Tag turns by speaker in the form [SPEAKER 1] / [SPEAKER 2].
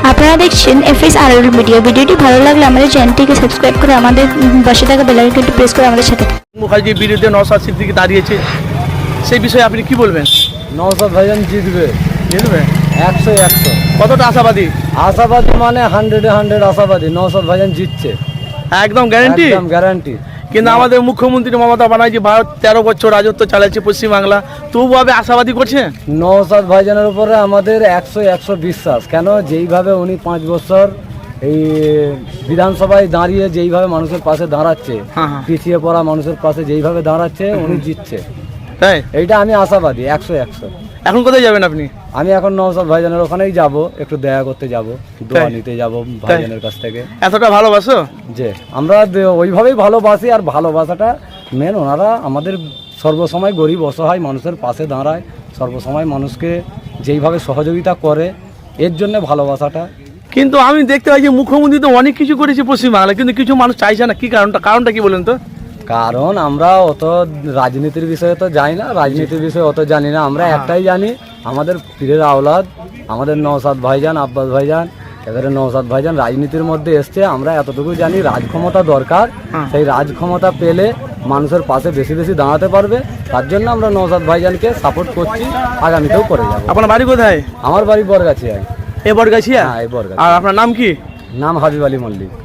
[SPEAKER 1] আপনারা দেখছেন FSRL media. ভিডিওটি ভালো লাগলে আমাদের চ্যানেলটিকে সাবস্ক্রাইব করে আমাদের পাশে থাকা বেল আইকনটি প্রেস করে আমাদের সাথে থাকুন।
[SPEAKER 2] মুখার্জির বিরুদ্ধে নওশাদ সিদ্দিকী দাঁড়িয়েছে, সেই বিষয়ে আপনি কি বলবেন?
[SPEAKER 3] নওশাদ ভাইজান জিতবে,
[SPEAKER 2] জিতবে
[SPEAKER 3] 100
[SPEAKER 2] কতটা আশাবাদী?
[SPEAKER 3] আশাবাদী মানে 100 আশাবাদী। নওশাদ ভাইজান জিতছে,
[SPEAKER 2] একদম গ্যারান্টি।
[SPEAKER 3] একদম গ্যারান্টি।
[SPEAKER 2] কিন্তু আমাদের মুখ্যমন্ত্রী মমতা ব্যানার্জি ভারত 13 বছর রাজত্ব চালাচ্ছে পশ্চিমবাংলা, তবুভাবে আশাবাদী করছে।
[SPEAKER 3] নওশাদ ভাইজানের উপরে আমাদের 100 বিশ্বাস। কেন? যেইভাবে উনি 5 বছর এই বিধানসভায় দাঁড়িয়ে যেইভাবে মানুষের পাশে দাঁড়াচ্ছে,
[SPEAKER 2] হ্যাঁ, হ্যাঁ।
[SPEAKER 3] পিছিয়ে পড়া মানুষের পাশে যেইভাবে দাঁড়াচ্ছে, উনি জিতছে।
[SPEAKER 2] তাই
[SPEAKER 3] এইটা আমি আশাবাদী 100।
[SPEAKER 2] এখন কোথায় যাবেন আপনি?
[SPEAKER 3] আমি এখন নওশাদ ভাইজানের ওখানেই যাব, একটু দেখা করতে যাব, দোয়া নিতে যাব ভাইজানের কাছ থেকে।
[SPEAKER 2] এতটা ভালোবাসো?
[SPEAKER 3] যে আমরা ওইভাবেই ভালোবাসি, আর ভালোবাসাটা মেন। ওনারা আমাদের সর্বসময় গরিব অসহায় মানুষের পাশে দাঁড়ায়, সর্বসময় মানুষকে যেইভাবে সহযোগিতা করে, এর জন্য ভালোবাসাটা।
[SPEAKER 2] কিন্তু আমি দেখতে পাই যে মুখ্যমন্ত্রী তো অনেক কিছু করেছে পশ্চিমবাংলায়, কিন্তু কিছু মানুষ চাইছে না। কি কারণটা কি বলেন তো?
[SPEAKER 3] কারণ আমরা অত রাজনীতির বিষয়ে তো জানি না, রাজনীতির বিষয়ে অত জানি না। আমরা একটাই জানি, আমাদের পীরের আওলাদ, আমাদের নওশাদ ভাইজান, আব্বাস ভাইজান, এবারে নওশাদ ভাইজান রাজনীতির মধ্যে এসছে। আমরা এতটুকু জানি রাজক্ষমতা দরকার, সেই রাজক্ষমতা পেলে মানুষের পাশে বেশি বেশি দাঁড়াতে পারবে। তার জন্য আমরা নওশাদ ভাইজানকে সাপোর্ট করছি, আগামীতেও করে যাবো।
[SPEAKER 2] আপনার বাড়ি কোথায়?
[SPEAKER 3] আমার বাড়ি বরগাছিয়া।
[SPEAKER 2] এ বরগাছিয়া?
[SPEAKER 3] হ্যাঁ, এই বরগাছিয়া।
[SPEAKER 2] আর আপনার নাম কি?
[SPEAKER 3] নাম হাবিব আলী মল্লিক।